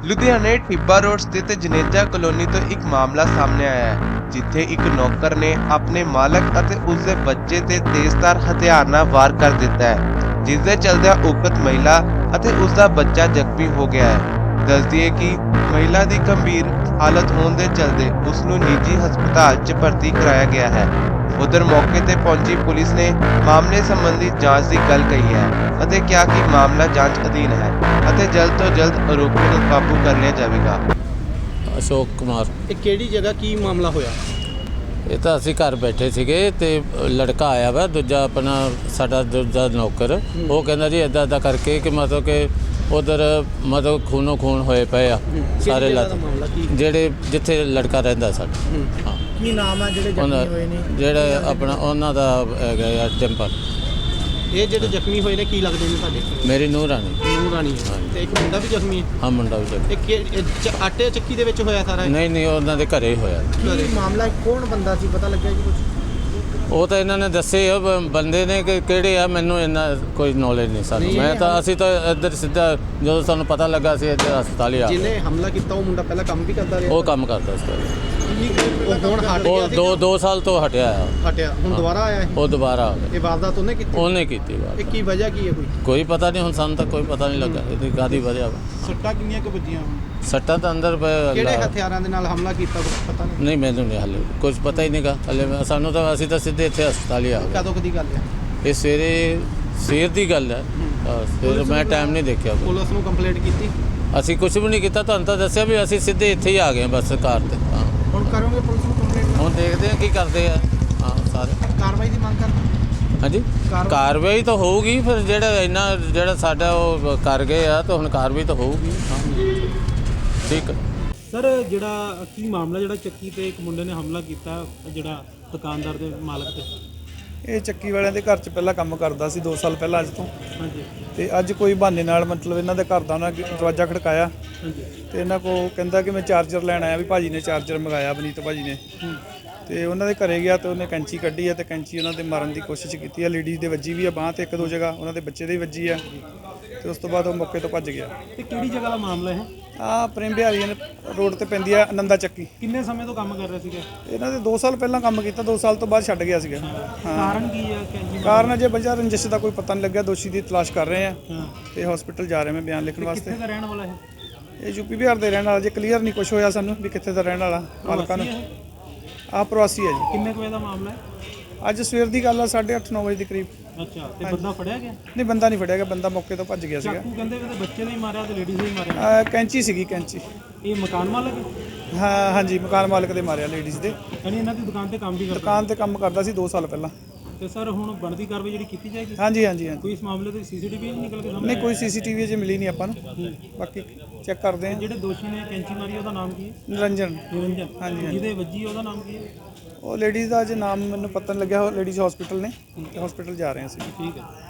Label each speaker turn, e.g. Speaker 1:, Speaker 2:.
Speaker 1: ਲੁਧਿਆਣੇ ਟਿੱਬਾ ਰੋਡ ਸਥਿਤ ਜਨੇਜਾ ਕਲੋਨੀ ਤੋਂ ਇੱਕ ਮਾਮਲਾ ਸਾਹਮਣੇ ਆਇਆ ਹੈ ਜਿੱਥੇ ਇੱਕ ਨੌਕਰ ਨੇ ਆਪਣੇ ਮਾਲਕ ਅਤੇ ਉਸ ਦੇ ਬੱਚੇ ਤੇ ਤੇਜ਼ਧਾਰ ਹਥਿਆਰ ਨਾਲ ਵਾਰ ਕਰ ਦਿੱਤਾ ਹੈ, ਜਿਸ ਦੇ ਚਲਦਿਆਂ ਉਕਤ ਮਹਿਲਾ ਅਤੇ ਉਸ ਦਾ ਬੱਚਾ ਜ਼ਖਮੀ ਹੋ ਗਿਆ ਹੈ। ਦੱਸਦੀ ਹੈ ਕਿ ਮਹਿਲਾ ਦੀ ਗੰਭੀਰ ਹਾਲਤ ਹੋਣ ਦੇ ਚਲਦੇ ਉਸ ਨੂੰ ਨਿੱਜੀ ਹਸਪਤਾਲ 'ਚ ਭਰਤੀ ਕਰਾਇਆ ਗਿਆ ਹੈ। उधर मौके पर पहुंची पुलिस ने मामले संबंधी जांच की गल कही है ਅਤੇ ਕਿਹਾ कि मामला जांच अधीन है ਅਤੇ जल्द तो जल्द आरोपियों ਨੂੰ काबू कर लिया जाएगा।
Speaker 2: अशोक कुमार
Speaker 3: ਇਹ ਕਿਹੜੀ ਜਗ੍ਹਾ ਕੀ ਮਾਮਲਾ ਹੋਇਆ?
Speaker 2: ਇਹ ਤਾਂ ਅਸੀਂ ਘਰ ਬੈਠੇ ਸੀਗੇ ਤੇ ਲੜਕਾ ਆਇਆ ਵਾ ਦੂਜਾ ਆਪਣਾ ਸਾਡਾ ਦੂਜਾ ਨੌਕਰ। ਉਹ ਕਹਿੰਦਾ ਜੀ ਇੱਦਾਂ ਇੱਦਾਂ ਕਰਕੇ ਕਿ ਮਤਲਬ ਕਿ ਉਧਰ ਮਤਲਬ ਖੂਨੋ ਖੂਨ ਹੋਏ ਪਏ ਆ ਸਾਰੇ ਲੱਤ ਜਿਹੜੇ ਜਿੱਥੇ ਲੜਕਾ ਰਹਿੰਦਾ ਸਾਡਾ। ਹਾਂ
Speaker 3: ਕੀ ਨਾਮ ਆ ਜਿਹੜੇ ਜ਼ਖਮੀ ਹੋਏ ਨੇ?
Speaker 2: ਜਿਹੜਾ ਆਪਣਾ ਉਹਨਾਂ ਦਾ ਹੈਗਾ ਆ ਟੈਂਪਲ।
Speaker 3: ਇਹ ਜਿਹੜੇ ਜ਼ਖਮੀ ਹੋਏ ਨੇ ਕੀ ਲੱਗਦੇ ਨੇ ਤੁਹਾਡੇ?
Speaker 2: ਮੇਰੀ ਨੂੰਹ ਰਾਣੀ।
Speaker 3: ਨੂੰਹ ਰਾਣੀ ਹੈ ਤੇ ਇੱਕ ਮੁੰਡਾ ਵੀ ਜ਼ਖਮੀ ਹੈ?
Speaker 2: ਹਾਂ ਮੁੰਡਾ ਵੀ ਜ਼ਖਮੀ।
Speaker 3: ਇਹ ਆਟੇ ਚੱਕੀ ਦੇ ਵਿੱਚ ਹੋਇਆ ਸਾਰਾ?
Speaker 2: ਨਹੀਂ ਉਹਨਾਂ ਦੇ ਘਰੇ ਹੀ ਹੋਇਆ।
Speaker 3: ਕੀ ਮਾਮਲਾ ਕੌਣ ਬੰਦਾ ਸੀ ਪਤਾ ਲੱਗਿਆ ਜੀ ਕੁਝ?
Speaker 2: ਉਹ ਤਾਂ ਇਹਨਾਂ ਨੇ ਦੱਸੇ ਆ ਬੰਦੇ ਨੇ ਕਿ ਕਿਹੜੇ ਆ, ਮੈਨੂੰ ਇੰਨਾ ਕੋਈ ਨੌਲੇਜ ਨਹੀਂ ਸਾਨੂੰ। ਮੈਂ ਤਾਂ ਅਸੀਂ ਤਾਂ ਇੱਧਰ ਸਿੱਧਾ ਜਦੋਂ ਸਾਨੂੰ ਪਤਾ ਲੱਗਾ ਸੀ ਇੱਧਰ ਹਸਪਤਾਲ ਹੀ ਆ।
Speaker 3: ਜਿਹਨੇ ਹਮਲਾ ਕੀਤਾ ਉਹ ਮੁੰਡਾ ਪਹਿਲਾਂ ਕੰਮ ਵੀ ਕਰਦਾ ਰਿਹਾ?
Speaker 2: ਉਹ ਕੰਮ ਕਰਦਾ ਸੀ।
Speaker 3: ਉਹ ਹੁਣ ਹਟ ਗਿਆ ਸੀ?
Speaker 2: ਉਹ 2 ਸਾਲ ਤੋਂ ਹਟਿਆ ਆ।
Speaker 3: ਹਟਿਆ ਹੁਣ ਦੁਬਾਰਾ ਆਇਆ ਇਹ?
Speaker 2: ਉਹ ਦੁਬਾਰਾ ਆ ਗਿਆ।
Speaker 3: ਇਹ ਵਾਰਦਾਤ ਉਹਨੇ ਕੀਤੀ?
Speaker 2: ਉਹਨੇ ਕੀਤੀ
Speaker 3: ਇਹ ਕੀ ਵਜ੍ਹਾ ਕੀ ਹੈ
Speaker 2: ਕੋਈ ਪਤਾ ਨਹੀਂ ਹੁਣ ਸਾਨੂੰ ਤਾਂ ਕੋਈ ਪਤਾ ਨਹੀਂ ਲੱਗਾ ਇਹਦੀ ਕਾਹਦੀ ਵਜ੍ਹਾ ਵਾ।
Speaker 3: ਸੱਟਾਂ ਕਿੰਨੀਆਂ ਕੁ ਵੱਜੀਆਂ?
Speaker 2: ਸੱਟਾਂ ਤਾਂ ਅੰਦਰ
Speaker 3: ਕਿਹੜੇ ਹਥਿਆਰਾਂ ਦੇ ਨਾਲ ਹਮਲਾ ਕੀਤਾ ਕੁਝ ਪਤਾ ਨਹੀਂ?
Speaker 2: ਨਹੀਂ ਮੈਨੂੰ ਨਹੀਂ ਹਾਲੇ ਕੁਝ ਪਤਾ ਹੀ ਨਹੀਂਗਾ ਹਲੇ ਸਾਨੂੰ ਤਾਂ ਅਸੀਂ ਤਾਂ ਸਿੱਧੇ ਇੱਥੇ ਹਸਪਤਾਲ ਹੀ ਆ ਗਏ।
Speaker 3: ਕਦੋਂ ਦੀ ਗੱਲ ਹੈ
Speaker 2: ਇਹ ਸਵੇਰ ਦੀ ਗੱਲ ਹੈ। ਫਿਰ ਮੈਂ ਟਾਈਮ ਨਹੀਂ ਦੇਖਿਆ।
Speaker 3: ਪੁਲਿਸ ਨੂੰ ਕੰਪਲੇਂਟ ਕੀਤੀ?
Speaker 2: ਅਸੀਂ ਕੁਝ ਵੀ ਨਹੀਂ ਕੀਤਾ, ਤੁਹਾਨੂੰ ਤਾਂ ਦੱਸਿਆ ਵੀ ਅਸੀਂ ਸਿੱਧੇ ਇੱਥੇ ਹੀ ਆ ਗਏ ਬਸ ਕਾਰ ਤੇ। ਹਾਂ
Speaker 3: ਹੁਣ ਕਰੋਗੇ ਪੁਲਿਸ ਨੂੰ ਕੰਪਲੇਂਟ?
Speaker 2: ਹੁਣ ਦੇਖਦੇ ਹਾਂ ਕੀ ਕਰਦੇ ਆ। ਹਾਂ ਸਾਰੇ
Speaker 3: ਕਾਰਵਾਈ ਦੀ ਮੰਗ ਕਰਦੇ?
Speaker 2: ਹਾਂਜੀ ਕਾਰਵਾਈ ਤਾਂ ਹੋਊਗੀ ਫਿਰ ਜਿਹੜਾ ਸਾਡਾ ਉਹ ਕਰ ਗਏ ਆ ਤਾਂ ਹੁਣ ਕਾਰਵਾਈ ਤਾਂ ਹੋਊਗੀ। ਹਾਂ ਠੀਕ।
Speaker 4: ਸਰ ਜਿਹੜਾ ਕੀ ਮਾਮਲਾ ਜਿਹੜਾ ਚੱਕੀ ਤੇ ਇੱਕ ਮੁੰਡੇ ਨੇ ਹਮਲਾ ਕੀਤਾ ਜਿਹੜਾ ਦੁਕਾਨਦਾਰ ਦੇ ਮਾਲਕ ਤੇ?
Speaker 5: ਇਹ ਚੱਕੀ ਵਾਲਿਆਂ ਦੇ ਘਰ 'ਚ ਪਹਿਲਾਂ ਕੰਮ ਕਰਦਾ ਸੀ 2 ਸਾਲ ਪਹਿਲਾਂ ਅੱਜ ਤੋਂ।
Speaker 4: ਹਾਂਜੀ।
Speaker 5: ਤੇ ਅੱਜ ਕੋਈ ਬਹਾਨੇ ਨਾਲ ਮਤਲਬ ਇਹਨਾਂ ਦੇ ਘਰ ਦਾ ਉਹਨਾਂ ਦਰਵਾਜ਼ਾ ਖੜਕਾਇਆ।
Speaker 4: ਹਾਂਜੀ।
Speaker 5: ਤੇ ਇਹਨਾਂ ਕੋਲ ਕਹਿੰਦਾ ਕਿ ਮੈਂ ਚਾਰਜਰ ਲੈਣ ਆਇਆ, ਵੀ ਭਾਜੀ ਨੇ ਚਾਰਜਰ ਮੰਗਾਇਆ ਬਨੀਤ ਭਾਜੀ ਨੇ। ਤੇ ਉਹਨਾਂ ਦੇ ਘਰੇ ਗਿਆ ਤੇ ਉਹਨੇ ਕੈਂਚੀ ਕੱਢੀ ਹੈ ਤੇ ਕੈਂਚੀ ਉਹਨਾਂ ਦੇ ਮਾਰਨ ਦੀ ਕੋਸ਼ਿਸ਼ ਕੀਤੀ ਹੈ। ਲੇਡੀਜ਼ ਦੇ ਵੱਜੀ ਵੀ ਆ ਬਾਂਹ ਤੇ 1-2 ਜਗ੍ਹਾ, ਉਹਨਾਂ ਦੇ ਬੱਚੇ ਦੇ ਵੀ ਵੱਜੀ ਆ। ਤੇ ਉਸ ਤੋਂ ਬਾਅਦ ਉਹ ਮੌਕੇ ਤੋਂ ਭੱਜ ਗਿਆ।
Speaker 4: ਤੇ ਕਿਹੜੀ ਜਗ੍ਹਾ ਦਾ ਮਾਮਲਾ ਹੈ?
Speaker 5: ਪ੍ਰੇਮ ਬਿਹਾਰੀ ਰੋਡ ਤੇ ਪੈਂਦੀ ਆ ਆਨੰਦਾ ਚੱਕੀ।
Speaker 4: ਕਿੰਨੇ ਸਮੇਂ ਤੋਂ ਕੰਮ ਕਰ ਰਹੇ ਸੀਗੇ?
Speaker 5: ਇਹਨਾਂ ਦੇ 2 ਸਾਲ ਪਹਿਲਾਂ ਕੰਮ ਕੀਤਾ, 2 ਸਾਲ ਤੋਂ ਬਾਅਦ ਛੱਡ ਗਿਆ ਸੀਗਾ।
Speaker 4: ਕਾਰਨ ਕੀ ਹੈ?
Speaker 5: ਕਾਰਨ ਅਜੇ ਵਜ੍ਹਾ ਰੰਜਿਸ਼ ਦਾ ਕੋਈ ਪਤਾ ਨਹੀਂ ਲੱਗਿਆ। ਦੋਸ਼ੀ ਦੀ ਤਲਾਸ਼ ਕਰ ਰਹੇ ਆ ਤੇ ਹਸਪੀਟਲ ਜਾ ਰਹੇ ਮੈਂ ਬਿਆਨ ਲਿਖਣ ਵਾਸਤੇ।
Speaker 4: ਕਿੱਥੇ ਦਾ ਰਹਿਣ ਵਾਲਾ ਹੈ?
Speaker 5: ਇਹ ਯੂਪੀ ਬਿਹਾਰ ਦੇ ਰਹਿਣ ਵਾਲਾ। ਜੇ ਕਲੀਅਰ ਨਹੀਂ ਕੁਝ ਹੋਇਆ ਸਾਨੂੰ ਵੀ ਕਿੱਥੇ ਦਾ ਰਹਿਣ ਵਾਲਾ ਮਾਲਕਾਂ ਨੂੰ। ਪ੍ਰਵਾਸੀ ਹੈ ਜੀ।
Speaker 4: ਕਿੰਨੇ ਕੁ ਵਜੇ ਦਾ ਮਾਮਲਾ ਹੈ?
Speaker 5: ਅੱਜ ਸਵੇਰ ਦੀ ਗੱਲ ਆ 8:30-9 ਵਜੇ ਦੇ ਕਰੀਬ।
Speaker 4: ਅੱਛਾ ਤੇ ਬੰਦਾ ਫੜਿਆ ਗਿਆ?
Speaker 5: ਨਹੀਂ ਬੰਦਾ ਨਹੀਂ ਫੜਿਆ ਗਿਆ, ਬੰਦਾ ਮੌਕੇ ਤੋਂ ਭੱਜ ਗਿਆ ਸੀਗਾ।
Speaker 4: ਚਾਕੂ ਕਹਿੰਦੇ ਵੀ ਬੱਚੇ ਨੇ ਹੀ ਮਾਰਿਆ ਤੇ ਲੇਡੀਜ਼ ਨੇ ਹੀ ਮਾਰਿਆ?
Speaker 5: ਕੈਂਚੀ ਸੀਗੀ ਕੈਂਚੀ।
Speaker 4: ਇਹ ਮਕਾਨ ਮਾਲਕ ਹੈ?
Speaker 5: ਹਾਂਜੀ ਮਕਾਨ ਮਾਲਕ ਦੇ ਮਾਰਿਆ ਲੇਡੀਜ਼ ਦੇ।
Speaker 4: ਯਾਨੀ ਇਹਨਾਂ ਦੀ ਦੁਕਾਨ ਤੇ ਕੰਮ ਵੀ ਕਰਦਾ?
Speaker 5: ਦੁਕਾਨ ਤੇ ਕੰਮ ਕਰਦਾ ਸੀ 2 ਸਾਲ ਪਹਿਲਾਂ।
Speaker 4: ਤੇ ਸਰ ਹੁਣ ਬਣਦੀ ਕਾਰਵਾਈ ਜਿਹੜੀ ਕੀਤੀ ਜਾਏਗੀ?
Speaker 5: ਹਾਂਜੀ।
Speaker 4: ਕੋਈ ਇਸ ਮਾਮਲੇ ਤੇ ਸੀਸੀਟੀਵੀ ਨਹੀਂ ਨਿਕਲ ਕੇ ਸਾਹਮਣੇ?
Speaker 5: ਨਹੀਂ ਕੋਈ ਸੀਸੀਟੀਵੀ ਅਜੇ ਮਿਲੀ ਨਹੀਂ ਆਪਾਂ ਨੂੰ, ਬਾਕੀ ਚੈੱਕ ਕਰਦੇ ਹਾਂ।
Speaker 4: ਜਿਹੜੇ ਦੋਸ਼ੀ ਨੇ ਕੈਂਚੀ ਮਾਰੀ ਉਹਦਾ ਨਾਮ ਕੀ ਹੈ?
Speaker 5: ਨਿਰੰਜਨ।
Speaker 4: ਹਾਂਜੀ। ਜਿਹਦੇ ਵੱਜੀ ਉਹਦਾ ਨਾਮ ਕੀ ਹੈ?
Speaker 5: ਉਹ ਲੇਡੀਜ਼ ਦਾ ਅਜੇ ਨਾਮ ਮੈਨੂੰ ਪਤਾ ਨਹੀਂ ਲੱਗਿਆ। ਉਹ ਲੇਡੀਜ਼ ਹਸਪੀਟਲ ਨੇ, ਹਸਪੀਟਲ ਜਾ ਰਹੇ ਹਾਂ ਅਸੀਂ।
Speaker 4: ਠੀਕ ਹੈ।